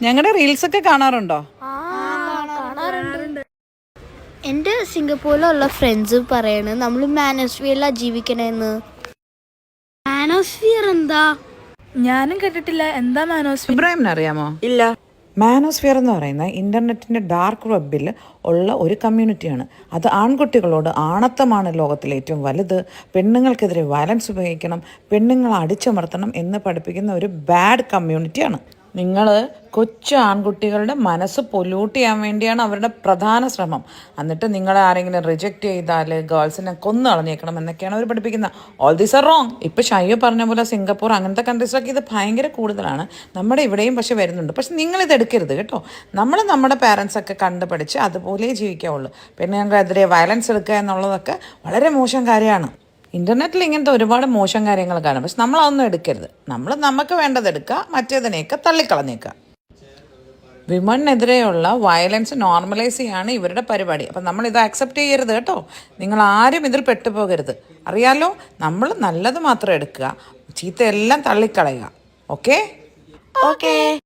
ഞങ്ങളുടെ റീൽസ് ഒക്കെ കാണാറുണ്ടോ? എൻ്റെ സിംഗപ്പൂരിലുള്ള ഫ്രണ്ട്സ് പറയണ് നമ്മൾ മാനോസ്ഫിയറിലാണ് ജീവിക്കണേന്ന്. മാനോസ്ഫിയർ എന്താ? ഞാനും കേട്ടിട്ടില്ല. എന്താ മാനോസ്ഫിയർ? ഇബ്രാഹിമിന് അറിയാമോ? ഇല്ല. മാനോസ്ഫിയർ എന്ന് പറയുന്നത് ഇന്റർനെറ്റിന്റെ ഡാർക്ക് വെബിൽ ഉള്ള ഒരു കമ്മ്യൂണിറ്റിയാണ്. അത് ആൺകുട്ടികളോട് ആണത്തമാണ് ലോകത്തിലെ ഏറ്റവും വലുത്, പെണ്ണുങ്ങൾക്കെതിരെ വയലൻസ് ഉപയോഗിക്കണം, പെണ്ണുങ്ങളെ അടിച്ചമർത്തണം എന്ന് പഠിപ്പിക്കുന്ന ഒരു ബാഡ് കമ്മ്യൂണിറ്റിയാണ്. നിങ്ങൾ കൊച്ചു ആൺകുട്ടികളുടെ മനസ്സ് പൊല്യൂട്ട് ചെയ്യാൻ വേണ്ടിയാണ് അവരുടെ പ്രധാന ശ്രമം. എന്നിട്ട് നിങ്ങളെ ആരെങ്കിലും റിജക്റ്റ് ചെയ്താൽ ഗേൾസിനെ കൊന്നു കളഞ്ഞേക്കണം എന്നൊക്കെയാണ് അവർ പഠിപ്പിക്കുന്നത്. All these are wrong. ഇപ്പോൾ ഷയ്യോ പറഞ്ഞ പോലെ സിംഗപ്പൂർ അങ്ങനത്തെ കൺട്രീസിലൊക്കെ ഇത് ഭയങ്കര കൂടുതലാണ്. നമ്മുടെ ഇവിടെയും പക്ഷെ വരുന്നുണ്ട്. പക്ഷെ നിങ്ങളിത് എടുക്കരുത് കേട്ടോ. നമ്മുടെ പാരൻസൊക്കെ കണ്ട് പഠിച്ച് അതുപോലെ ജീവിക്കാവുള്ളൂ. പെണ്ണുങ്ങൾക്കെതിരെ വയലൻസ് എടുക്കുക എന്നുള്ളതൊക്കെ വളരെ മോശം കാര്യമാണ്. ഇൻ്റർനെറ്റിൽ ഇങ്ങനത്തെ ഒരുപാട് മോശം കാര്യങ്ങൾ കാണും. പക്ഷെ നമ്മളതൊന്നും എടുക്കരുത്. നമുക്ക് വേണ്ടത് എടുക്കുക, മറ്റേതിനെയൊക്കെ തള്ളിക്കളഞ്ഞേക്കുക. വിമണിനെതിരെയുള്ള വയലൻസ് നോർമലൈസ് ചെയ്യാണ് ഇവരുടെ പരിപാടി. അപ്പം നമ്മളിത് അക്സെപ്റ്റ് ചെയ്യരുത് കേട്ടോ. നിങ്ങൾ ആരും ഇതിൽ പെട്ടുപോകരുത്. അറിയാലോ, നമ്മൾ നല്ലത് മാത്രം എടുക്കുക, ചീത്തയെല്ലാം തള്ളിക്കളയുക. ഓക്കെ.